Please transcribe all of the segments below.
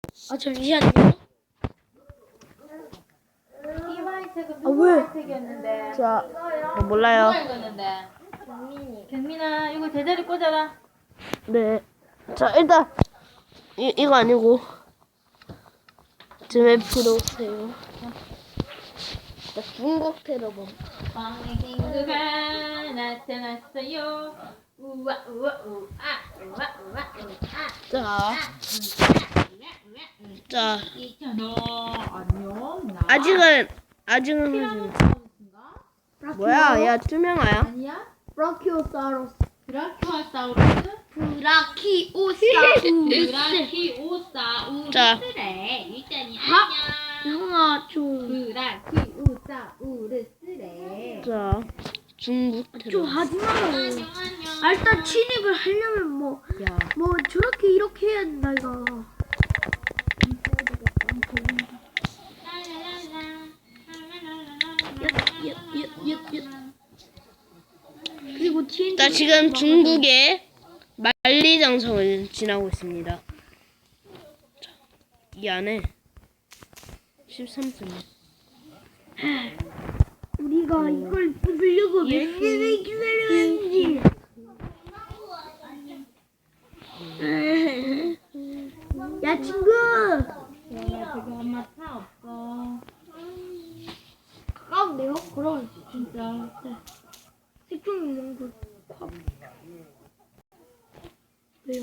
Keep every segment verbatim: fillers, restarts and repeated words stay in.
아 잠시만요. 이화의 책은 아, 누구 왜? 의 책이었는데? 자, 이거요? 뭐 몰라요. 누가 읽었는데? 경민이. 경민아, 이거 제자리 꽂아라. 네. 자, 일단 이 이거 아니고 좀 F로 오세요. 자, 중국 테러범. 광의 친구가 나타났어요. 우와 우와 우아 우와 우와 우아. 자, 자, 있잖아. 안녕. 나. 아직은 아직은 하지 마. 티라노사우루스인가? 뭐야, 야 투명아야? 아니야? 브라키오사우루스. 브라키오사우루스? 브라키오사우루스. 브라키오사우루스래. 일단이 안녕. 형아 좀. 브라키오사우루스래. 자, 중국 좀 테러. 하지 마요. 안녕 안녕. 아, 일단 진입을 하려면 뭐, 야, 뭐 저렇게 이렇게 해야 된다 이거. 그리고 티엔티. 자 지금 중국의 만리장성을 지나고 있습니다. 자, 이 안에 십삼 분. 우리가 이걸 부수려고 몇 년을 기다렸는지. 야 친구. 야, 저기 엄마 차 없어. 가까운데요? 그럼 진짜. 색종 있는 거. 콱. 왜요?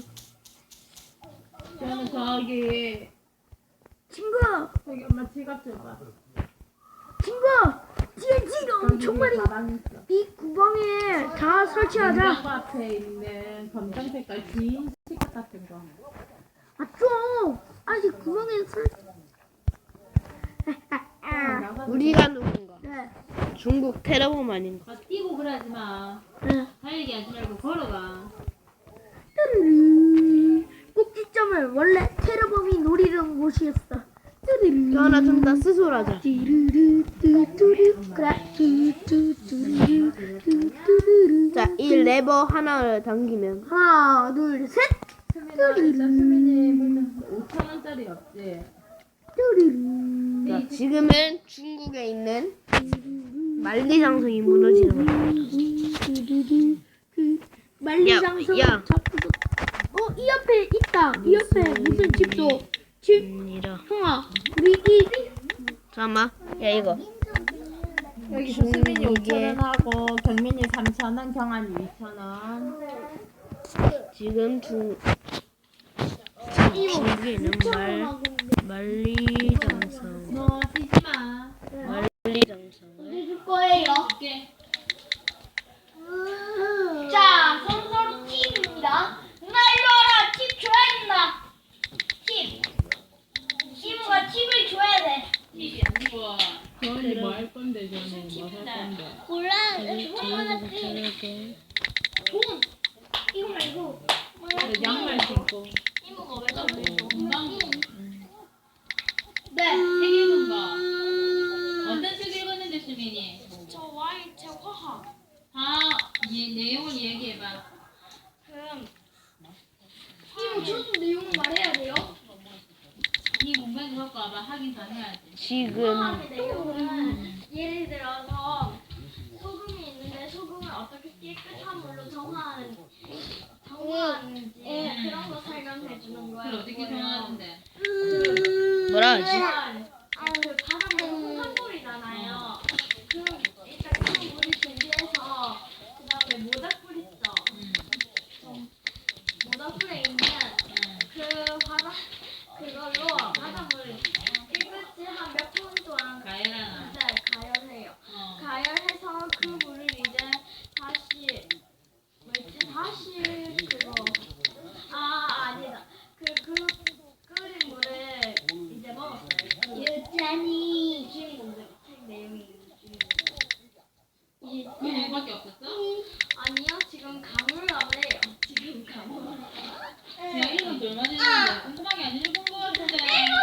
저는 저기 친구. 저기 엄마 지갑 줘봐. 친구. 티엔티가 엄청 많이. 가방 있어. 이 구멍에 다 설치하자. 냉장고 앞에 있는 검정 색깔 긴 티켓 같은 거. 아 좀. 아직 구멍에 설. 나가서 우리가 누군가? 네. 중국 테러범 아닌가? 아, 뛰고 그러지 마. 네. 달리기 하지 말고 걸어가. 뚜루루. 꼭지점을 원래 테러범이 노리던 곳이었어. 뚜루루. 하나 좀 더 스스로하자. 뚜루루 뚜뚜루. 그래. 뚜뚜뚜루루 뚜뚜루루. 자, 이 레버 하나를 당기면 하나 둘 셋. 수민아, 일단 수민이 무슨 오천 원짜리 없지? 뚜루루. 자, 지금은 중국에 있는 만리장성이 무너지는 겁니다. 뚜루루. 그 만리장성. 야, 야. 어, 이 옆에 있다. 이 옆에 무슨 집도. 집. 아니라. 형아, 우리 이. 잠깐만. 야 이거. 여기서 수민이 중국에- 오천 원 하고 경민이 삼천 원, 경환이 이천 원. 지금 중 중국에 있는 말 만리장성. 너 뛰지 마. 만리장성을 해줄 거예요. 오케이. 자, 서로 팁입니다. 누나 일로 와라. 팁 줘야겠다. 팁. 시무가 팁을 줘야 돼. 팁이 아니고. 경환이 뭐 할 건데 저는 뭐 할 건데. 몰라. 돈 하나씩. 돈. 이거 말고. 너 양말 신고. 이모가 왜 그래? 금방. 네. 책 읽은 거. 어떤 책 읽었는데 수민이? 저 와이 제 화학. 아, 이 내용을 얘기해봐. 그럼. 이모 저도 내용을 말해야 돼요? 이 공간 갖고 와봐. 확인 다 해야지. 지금 화학의 내용은 예를 들어서 소금이 있는데 소금을 어떻게 깨끗한 물로 정화하는 정화하는지 그런 거 설명해 주는 거예요. 그걸 어떻게 정하는데? 뭐라 하지? 아, 그 바닷물 흙탕물이잖아요. 그럼 일단 그 물을 준비해서 그 다음에 모닥불 있죠. 응. 모닥불에 있는 그 바다 그걸로 바닷물을 깨끗이 한 몇 분 동안 가해라. 네, 가열해요. 어. 가열해서 그 물을 이제 다시 뭐지 다시 그거 아 아니다 그 그 끓인 물을 이제 먹었어요. 유찬이 주인공들 책 내용이 이 그 얘밖에 없었어? 아니요 지금 가물가물해요. 지금 가물. 제가 읽은 지 얼마 됐는데 궁금한 게 안 읽은 거 같은데.